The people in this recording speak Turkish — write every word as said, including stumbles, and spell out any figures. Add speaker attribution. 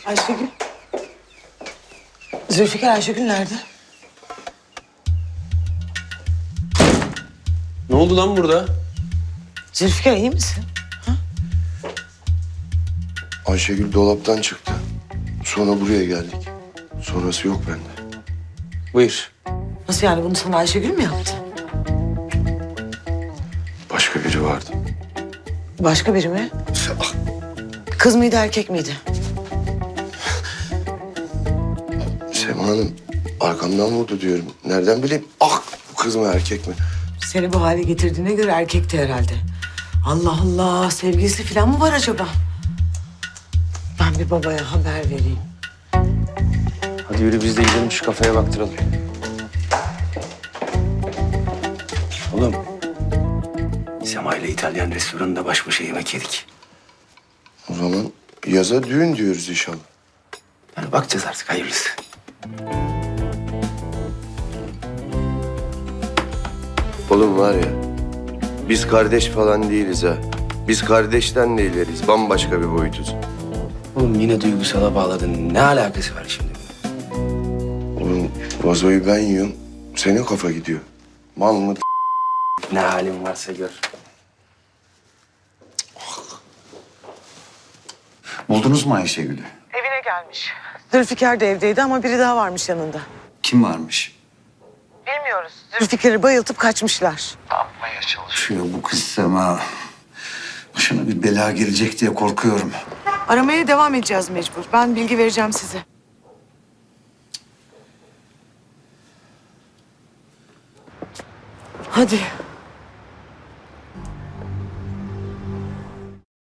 Speaker 1: Ayşegül. Zülfikar, Ayşegül nerede?
Speaker 2: Ne oldu lan burada?
Speaker 1: Zülfikar iyi misin?
Speaker 3: Ayşegül dolaptan çıktı. Sonra buraya geldik. Sonrası yok bende.
Speaker 2: Buyur.
Speaker 1: Nasıl yani, bunu sana Ayşegül mü yaptı?
Speaker 3: Başka biri vardı.
Speaker 1: Başka biri mi?
Speaker 3: Ah,
Speaker 1: Kız mıydı, erkek miydi?
Speaker 3: Sema Hanım arkamdan vurdu diyorum. Nereden bileyim? Ah, bu kız mı erkek mi?
Speaker 1: Seni bu hale getirdiğine göre erkekti herhalde. Allah Allah, sevgilisi falan mı var acaba? Ben bir babaya haber vereyim.
Speaker 2: Hadi yürü biz de gidelim şu kafeye baktıralım. Oğlum. Sema ile İtalyan restoranında baş başa yemek yedik.
Speaker 3: O zaman yaza düğün diyoruz inşallah.
Speaker 2: Yani bakacağız artık hayırlısı.
Speaker 3: Oğlum var ya, biz kardeş falan değiliz ha. Biz kardeşten de ileriz. Bambaşka bir boyutuz.
Speaker 2: Oğlum yine duygusala bağladın. Ne alakası var şimdi?
Speaker 3: Oğlum vazoyu ben yiyorum. Senin kafa gidiyor. Mal mı?
Speaker 2: Ne halin varsa gör.
Speaker 4: Buldunuz mu Ayşegül'ü?
Speaker 1: Evine gelmiş. Zülfikar da evdeydi ama biri daha varmış yanında.
Speaker 4: Kim varmış?
Speaker 1: Bilmiyoruz. Zülfikar'ı bayıltıp kaçmışlar.
Speaker 4: Çalışıyor bu kız Sema. Başına bir bela gelecek diye korkuyorum.
Speaker 1: Aramaya devam edeceğiz mecbur. Ben bilgi vereceğim size. Hadi.